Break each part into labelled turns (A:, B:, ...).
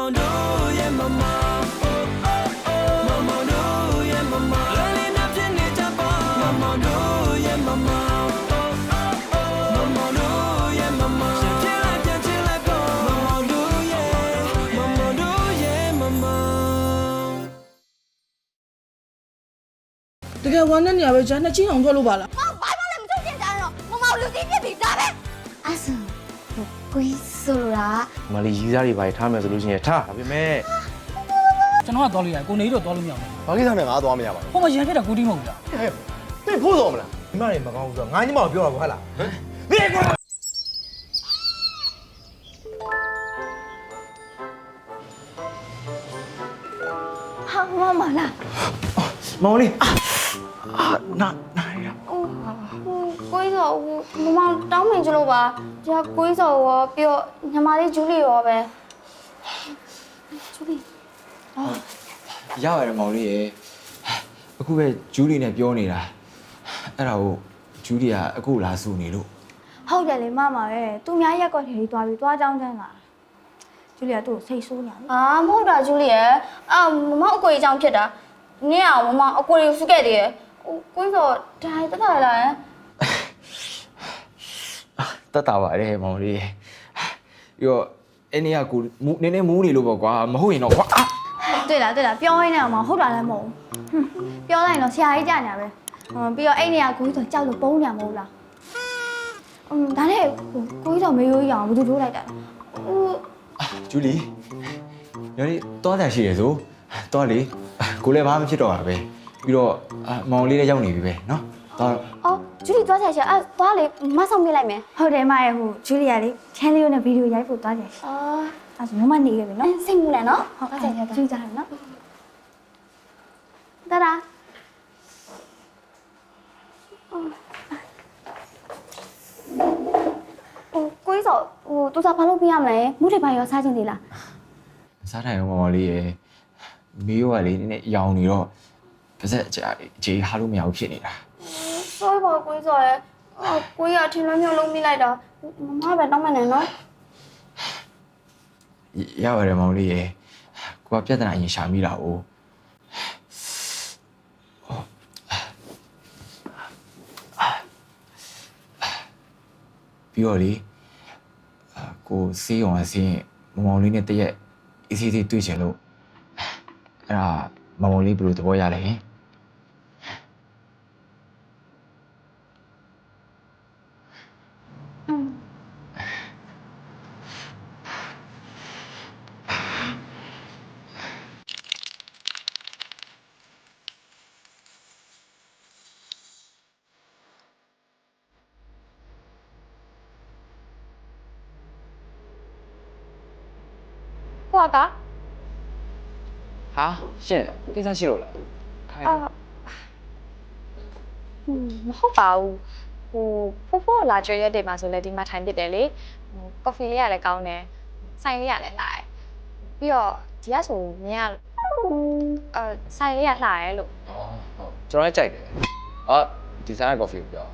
A: do yeah mama oh oh oh mama do yeah mama lele na pin ni japa mama do yeah mama oh oh oh mama do yeah mama chill like go mama do yeah mama
B: တကယ်ဝမ်းနဲ့နေရပဲဂျန်နှစ်ချင်းအောင်ထွက်လို့ပါလား
C: ဘာမှလည်းမထုတ်ပြန်ကြတော့မမောင်လူကြီးဖြစ်ပြီဒါပဲအဲ့ဆိုကိုကြီးဆိုတာ
D: မလီရီးစားတွေပါထားမယ်ဆိုလို့ရှိရင်ထားဒါပေမဲ့
E: ကျွန်တော်ကသွားလို့ရတယ်ကိုနေတော့သွားလို့မရဘူး
F: ဘာကိစ္စနဲ့ငါသွားမရပါဘူး
E: ဟိုမှာရန်ဖြစ်တာကိုတီးမဟုတ်ဘူးလား
F: ဟဲ့သိဖို့တော်မလား
G: ဒီမတွေမကောင်းဘူးဆိုတော့ငါညီမကိုပြောတာပေါ့ဟဲ့လားဟမ်ဒီကွာ
C: ဟာမမလား
D: မောင်လေးနာရ
C: ကိုကြီးဆိုမမောင်တောင်းပန်ကြလို့ပါဒီကကိုကြီးဆိုရောပြီးတော့ညီမလေးဂျူလီရောပဲဂျူလီ
H: ရပါတယ်မောင်လေးရေအခုပဲဂျူလီနဲ့ပြောနေတာအဲ့ဒါကိုဂျူလီကအခုလာစုနေလို့
C: ဟုတ်တယ်လေမမပဲသူများရက်ကွက်ထဲသွားပြီးသွားကြောင်းချမ်းလာဂျူလီကသူ့ကိုစိတ်ဆိုးနေတယ်အာမဟုတ်တာဂျူလီရဲ့အာမမောင်အကိုကြီးအကြောင်းဖြစ်တာနင်းအောင်မမောင်အကိုကြီးစုခဲ့တယ်ကိုကြီးဆိုဒါတက်တာလာရင်
H: တက်တာပါတယ်မောင်လေးရေပြီးတော့အဲ့နေ့ကကိုနည်းနည်းမူးနေလို့ပေါ့ကွာမဟုတ်ရင်တော့ကွာ
C: တွေ့လားပြောရင်းနဲ့အောင်ဟုတ်တာလည်းမဟုတ်ဘူးပြောလိုက်တော့ဆရာကြီးကြာညာပဲပြီးတော့အဲ့နေရာကိုကြီးဆိုကြောက်လို့ပုံးညာမဟုတ်လားဒါနဲ့ကိုကြီးဆိုမေးရိုးရအောင်ဘယ်သူထိုးလိုက်တာလဲ
H: ဂျူလီညနေသွားတယ်ရှိရဆိုသွားလေကိုလည်းဘာမှဖြစ်တော့တာပဲပြီးတော့မောင်လေးလည်းရောက်နေပြီပဲနော်သွား
C: အော်ဂျူလီသွားချင်ရှာအဲ့သွားလေမဆောင်ပြလိုက်မယ်ဟုတ်တယ်မရဲ့ဟိုဂျူလီကလေချန်လီယိုနဲ့ဗီဒီယိုရိုက်ဖို့သွားချင်ရှာအဲ့ဆိုမမနေခဲ့ပြီနော်စိတ်မူနဲ့နော်ဟုတ်ကဲ့ကြည့်ကြတယ်နော်ဒါဒါကိုကြီးဆိုသူစားဘာလို့ပြရမလဲမုတ်တွေဘာရောစားချင်းသေးလား
H: စားထိုင်အောင်မောင်လေးရေမီးရောကလေနည်းနည်းရောင်နေတော့ပါစက်အခြေဟာလို့မရဘူးဖြစ်နေတာ
C: ဆိုးပါကိုကြီးဆိုရဲကိုကြီးအထင်လွှဲမျိုးလုံးမိလိုက်တာမမပဲတောင်းမနေနော်
H: ရပါတယ်မောင်လေးရေကိုကပြဿနာအရင်ရှာမိတာ哦ပြီးတော့လေကိုစေးအောင်အစင်းမောင်လေးနဲ့တရက်အေးဆေးဆေးတွေ့ချင်လို့အဲ့ဒါမောင်လေးဘယ်လိုသဘောရလဲဟင်
C: ကိုက
D: ဟာရှင့်ကိစ္စရှိလို့လားခိုင်း
I: မဟုတ်ပါဘူးဖိုးဖိုးလာကြွရက်တွေမှာဆိုလဲဒီမှာထိုင်ပစ်တယ်လေကော်ဖီလေးကလည်းကောင်းတယ်ဆိုင်လေးကလည်းလှတယ်ပြီးတော့ဒီကဆိုမြင်ကဆိုင်လေးကလှရဲလို့
D: ဟုတ်ကျွန်တော်လည်းကြိုက်တယ်အော်ဒီဆိုင်ကကော်ဖီကိုပြော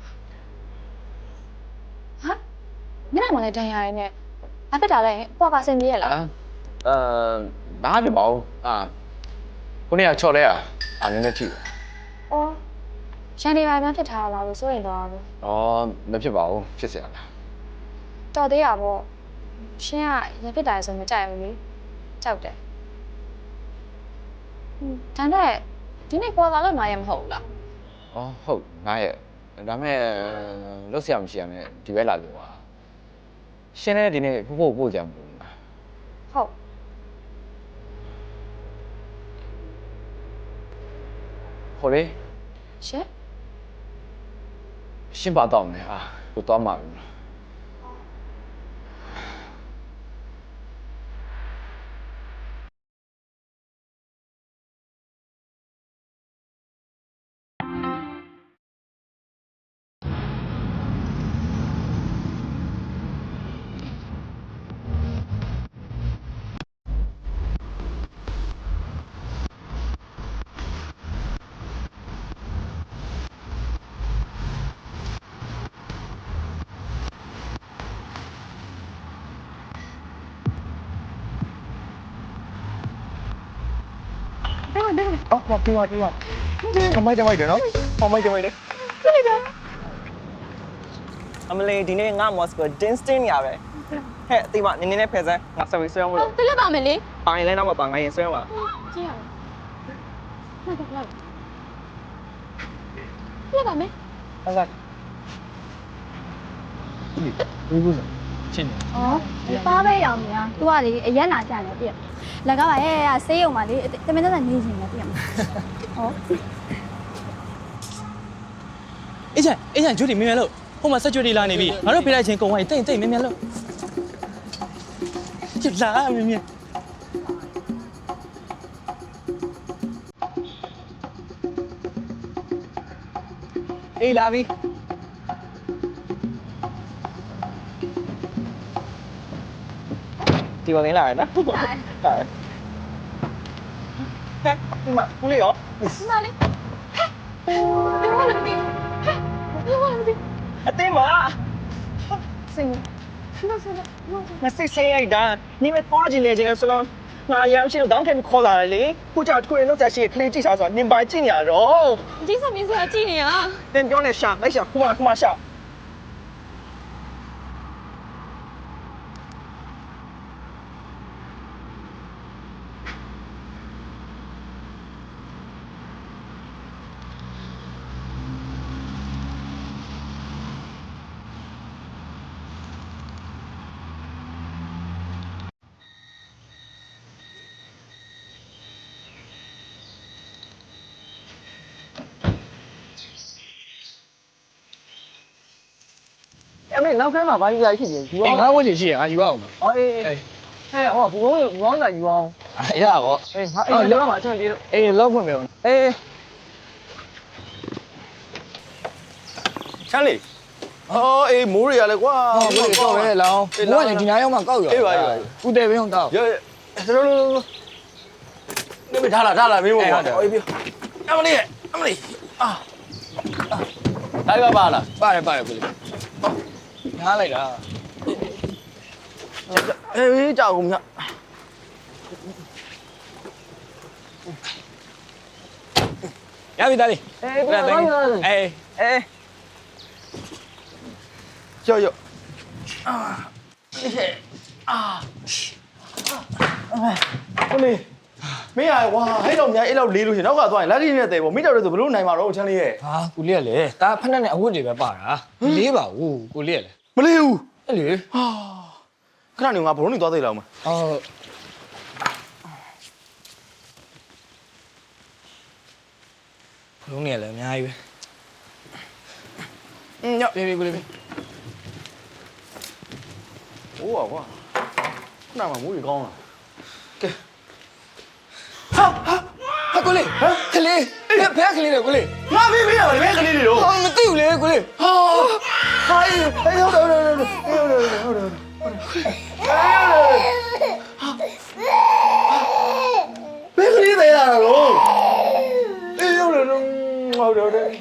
I: ဟာမျက်နှာမှာလည်းဒဏ်ရာရင်းနဲ့ဘာဖြစ်တာလဲပွားပါစင်ပြေးရလား
D: ဘာဖြစ်ပါဦးခုနေ့ကချော်လဲနည်းနည်းထိတယ်
I: အော်ရှန်ဒီဘာများဖြစ်ထားတာလားလို့စိုးရင်တော့ဘူး
D: အော်မဖြစ်ပါဘူးဖြစ်เสียလား
I: တော်သေးရပေါ့ရှင်ကရဖြစ်တာဆိုမကြိုက်ဘူးလေကြောက်တယ်ဒါနဲ့ဒီနေ့ပွားလာလို့နားရမဟုတ်ဘူးလား
D: အော်ဟုတ်ငါရဲ့ဒါမဲ့လုတ်เสียမရှိရမယ်ဒီဘက်လာလို့ပါရှင်းတဲ့ဒီနေ့ဖို့ပို့ကြမလို့
I: ဟုတ်
D: ဟိုလေ
I: ရှင်
D: ရှင်းပါတော့မယ်ကိုသွားမှာပြီ
C: ဟ
F: အော်ပြီးပါခမိုက်ကြမိုက်တယ်နော်ခမိုက်ကြမိုက်တယ်အမလေးဒီနေ့ငါမော်စကိုဒင်းစတင်ရပဲဟဲ့အတိမနင်းနဲ့ဖယ်စမ်းငါဆက်ပြီးဆွဲအောင်လို့
I: ပြလက်ပါမယ်လေ
F: ပိုင်လဲတော့မပါငါရင်ဆွဲအောင်ပါ
I: ကြည့်ရအောင်ပြလက်ပါမယ်
F: ဟုတ်ကဲ့ဒီဘူးစချင်းနေ
C: ဩပါပဲရောင်များသူကလေအရက်လာကြတယ်ပြည့်လက်ကပါရဲ့ဆေးရုံမှာလေတမင်တက်နေနေနေပြည့်မှာဟော
A: အေးချန်ဂျူဒီမြင်မြင်လို့ဟိုမှာဆက်ကြွတွေလာနေပြီငါတို့ဖေးလိုက်ချင်းကုံဝိုင်းတိတ်မြင်မြင်လို့ကျလာမြင်မြင်အေးလာပြီဒီဝင်လာရနော်ဟုတ်ပါဟဲ့ဒီမှာကိုလေးရော
I: ဒီမှာလေဒီမှာလေဒီမှာလေ
F: အတင်းပါ
I: စင်
F: မစစ်ဆေးရိုက်တာနေမသွားကြည့်လေချင်းဆိုတော့ငါရမ်းရှိတော့တောင်းခံခေါ်လာတယ်လေခုကြောက်ထွေလောက်ချက်ရှိခလေးကြည့်စားဆိုတော့နင်ပါကြည့်နေရတော့
I: ဒီစမင်းစရာကြည့်နေရ
F: တင်ပြောနေရှာလိုက်ရှာခုမှရှာအမေနောက်ခန်းမှာဘာကြီးလာဖြစ်နေယူအောင်
E: ငါဝတ်ချင်ရှိရငါယူအောင်
F: အော်အေးဟဲ့ဟောဘူဘောင်းလာယူအောင်
E: ရပါဘော
F: အေးငါအေးလောက်မှာအချက်ပြေးလို့
E: အေးလောက်ဖွင့်မယ်
F: အေးချမ်းလေးအော်အေးမိုးရရလဲကွာ
E: ဟုတ်ပြီတော့ပဲလောင်းဘိုးကလည်းဒီနားရောက်မှကောက်ရဦးတယ်ဘင်းအောင်တောက်
F: ရဲနေမထားလာမင်းဘောအေးပြေအမလေးအာဒါပါလား
E: ပါတယ်ကိုလေးငားလိုက်တာ
F: အေးကြောက်ကုန်မြ
E: ရပြီသားလေး
F: အေး
E: အေး
F: ရောဟိုလေမင်းရဝါဟဲ့တော့များအဲ့လောက်လေးလို့ရှင်နောက်ကသွားရင်လက်ထိနဲ့တဲ့ပေါ့မိတော်တို့ဆိုဘလို့နိုင်မှာတော့ချမ်းလေးရဲ့
E: ဟာကိုလေးကလေဒါဖက်နဲ့အဝတ်တွေပဲပါတာလေးပါဘူးကိုလေးကလေ
F: မလေးဘူး
E: အဲ့လေ
F: ဟာခဏနေငါဘလုံးနေသွားသေးလားမ
E: အော်လုံးနေလည်းအများကြီးပဲညပြေကိုလေးပဲ
F: ဟိုးကွာခဏမှမိုးကြီးကောင်းလားကဲ
E: ဟာကိုလေးကလေးဖဲကလေးလေကိုလေး
F: ငါပြီးရပါလေကလေးတွေတော့
E: ဟာမသိဘူးလေကိုလေး
F: ဟာဟိုင်းဟုတ်ဘယ်ကလေးတွေလာတော့အေးဟုတ်တယ်ဟုတ်တယ်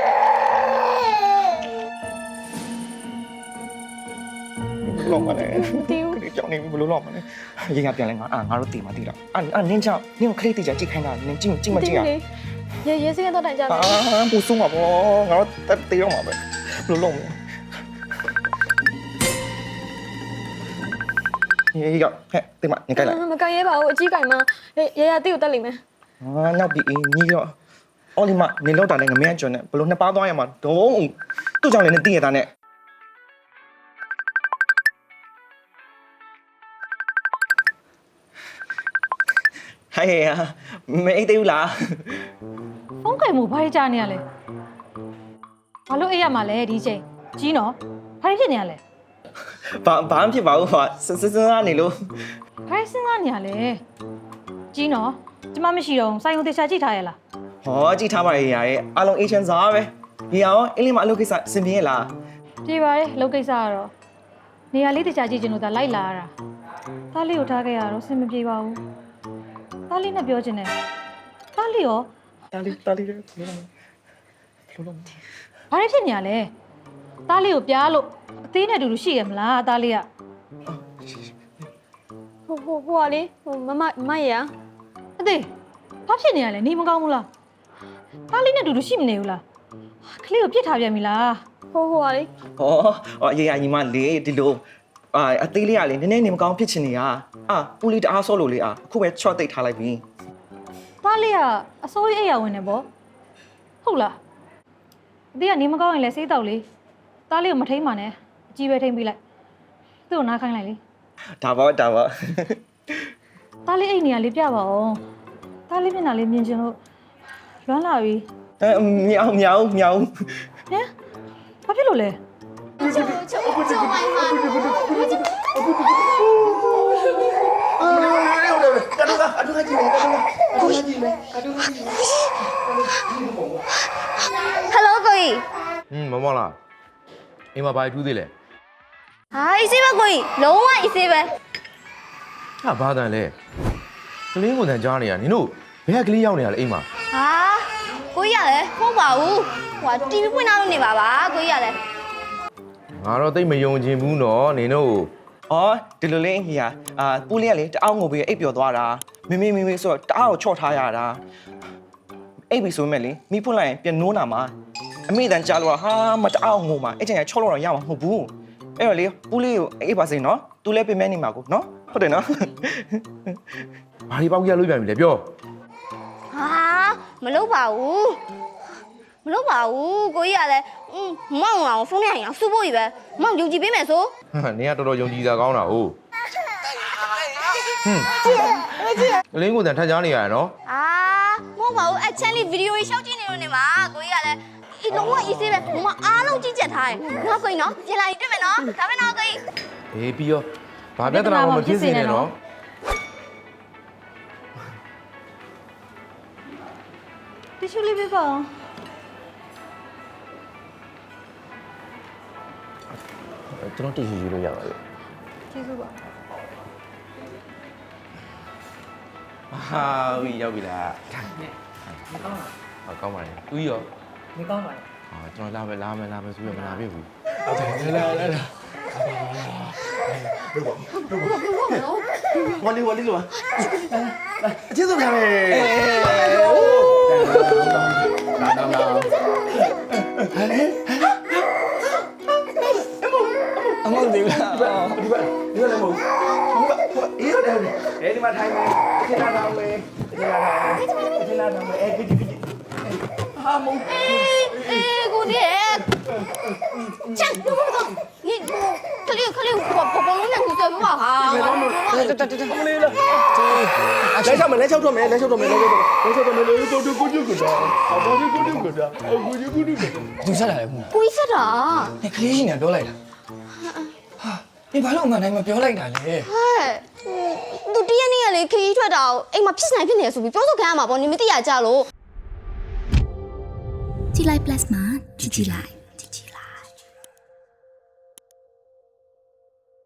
F: လောမလဲတီးဦးကြောင်နေဘယ်လိုလောမလဲရေငါပြန်လဲငါငါတို့တီမတီးတော့နင်းချောင်းနင်းခလေးတီချာကြည့်ခိုင်းတာနင်းကြည့်မကြည့်ရ
C: ရေစင်းတော့တိုင်ကြမယ်
F: ပူဆုံးပါဘောငါတို့တေးတော့မှာပဲဘယ်လိုလုပ်မလဲရေကဟဲ့တေးမနေကြလိုက်
C: မကန်ရဲပါဘူးအကြီးကင်မရရတိကိုတက်လိမ့်မယ်
F: နောက်ပြီးညီတော့အော်ဒီမနေလောက်တာနဲ့ငမင်းကျွန်းနဲ့ဘယ်လိုနှစ်ပါးသွားရမှာဒုံသူ့ကြောင့်လည်းနဲ့တည်ရတာနဲ့ဟဲ့မအိတ်သေးဘူးလား
B: ဖုန်းကင်မှုဘာကြီးကြားနေရလဲဘာလို့အိပ်ရမှာလဲဒီချိန်ကြီးနော်ဘာဖြစ်နေရလဲ
F: ဘာမှဖြစ်ပါဘူးဟာစစားနေလို့
B: ဘာစဉ်းစားနေရလဲကြီးနော်ကျမမရှိတော့စိုင်းုံတေချာကြည့်ထားရလား
F: ဟောကြည့်ထားပါရဲ့ရာရဲ့အားလုံးအေးချမ်းစားပဲဒီရောအင်းလေးမအလုပ်ကိစ္စစင်ပြေလား
B: ပြေပါရဲ့လုပ်ကိစ္စကတော့နေရာလေးတေချာကြည့်ချင်လို့ဒါလိုက်လာရတာသားလေးကိုထားခဲ့ရတော့စင်မပြေပါဘူးသားလေးနဲ့ပြောချင်တယ်သားလေးရော
F: တာလီလေးလုံး
B: ဘာဖြစ်နေရလဲသားလေးကိုပြားလို့အသေးနဲ့အတူတူရှိရမလားသားလေးက
C: ဟိုကလေမရ
B: အသေးဘာဖြစ်နေရလဲနေမကောင်းဘူးလားသားလေးနဲ့တူတူရှိမနေဘူးလားကလေးကိုပြစ်ထားပြန်ပြီလား
C: ဟိုပါလေ
F: ဟောရေရညီမလေးဒီလိုအသေးလေးကလေနည်းနည်းနေမကောင်းဖြစ်ချင်နေတာပူလေးတအားဆော့လို့လေအခုပဲချော့တိတ်ထားလိုက်ပြီ
B: သားလေးကအစိုးရအိယာဝင်နေပေါ့ဟုတ်လားအသေးကနေမကောင်းရင်လည်းစေးတောက်လေသားလေးကိုမထိန်ပါနဲ့အကြီးပဲထိန်ပေးလိုက်သူ့ကိုနားခိုင်းလိုက်လေ
F: ဒါပေါ့
B: သားလေးအိတ်နေရလေးပြပါအောင်သားလေးမျက်နှာလေးမြင်ချင်လို့လွမ်းလာပြီ
F: မြောင်
B: ဟမ်ဘာဖြစ်လို့လဲ
C: Hello ကိုကြီး
G: မောင်မောင်လားအိမ်မှာဘာထူးသေးလဲ
C: ဟာအေးစေးပဲကိုကြီးလုံးဝအေးစေးပဲ
G: ဟာဘာတန်လဲကလေးကိုတန်ကြားနေရနင်တို့ဘယ်ကကလေးရောက်နေရလဲအိမ်မှာ
C: ဟာကိုကြီးရလဲမဟုတ်ပါဘူးဟို TV ဖွင့်ထားလို့နေပါပါကိုကြီးရလဲ
G: ငါတော့တိတ်မယုံချင်ဘူးနော်နင်တို့
F: ဒီလိုလေးကြီးပူလေးကလေတအားငိုပြီးအိပ်ပျော်သွားတာမေဆိုတော့တအားကိုချော့ထားရတာအိပ်ပြီဆိုမဲ့လေမိဖွင့်လိုက်ရင်ပြန်နိုးနာမှာအမေတန်ကြားလို့ဟာမတအားငိုမှာအဲ့ချိန်ချော့လို့တော့ရမှာမဟုတ်ဘူးအဲ့တော့လေပူလေးကိုအိပ်ပါစေနော်သူလည်းပြင်မဲနေမှာကိုနော်ဟုတ်တယ်နော်
G: ဘာဒီပေါက်ရလို့ပြန်ပြီလဲပြော
C: ဟာမလုပ်ပါဘူးကိုကြီးရလဲမောင်အောင်ဖုန်းနဲ့ရင်အောင်စူဖို့ကြီးပဲမောင်ယုံကြည်ပေးမယ်ဆို
G: နင်ကတော်တော်ယုံကြည်တာကောင်းတာဟုတ်ကလေးကိုတန်ထပ်ကြားနေရနော်
C: မဟုတ်ပါဘူးအချမ်းလေးဗီဒီယိုကြီးရှောက်ကြည့်နေလို့နေမှာကိုကြီးရလဲဒီလုံးဝအေးစေးပဲမမအားလုံးကြည့်ချက်ထားတယ်နော်ကိုကြီးနော်ပြန်လာရင်တွေ့မယ်နော်ဒါပဲနော်ကိုကြီး
G: အေးပြီးရောဘာပြဿနာမှမဖြစ်စေနဲ့နော်
B: တီရှူလေးပေးပါအောင်
G: ကျွန်တော်တည်ရှိလို့ရပါလေ
B: ကျေးဇူးပါ
G: ဟာဝီရောက်ပြီလားမကောင်းလားကောင်းပါလေသူရောမကောင်းပါဘူးကျွန်တော်လာမယ်ဆိုရမလာပြီဘူး
F: ဝလီလို့အကျေးဇူးပါမယ်အမောင်ဒီလားဒီလည်းမဟုတ်အေးရတယ်ဒီမှာထိုင်မယ်ခဏထားမယ်ခဏထားမယ်အဲ့ဒီဟာမုန်း
C: ကိုဒီချမ်းတော့你可怜我လုံးနဲ့ကိုဆက်ပါဟာ
F: မလေးလားလဲချောက်မယ်တူကိုတူကိုသူဆက်လာလေခု
C: ကိုကြီးဆက်တာ
F: 你可以先ပြောလိုက်လားဟာ你ဘာလို့အမှန်တိုင်းမပြောလိုက်တာလဲ
C: ဟဲ့သူတရက်နေ့ကလေခရီးထွက်တာကိုအိမ်မှာဖြစ်နိုင်ဖြစ်နေဆိုပြီးပြောဆိုခံရမှာပေါ့နင်မသိရကြလို့
J: ကြည်လိုက် plus မှာကြည်လိုက်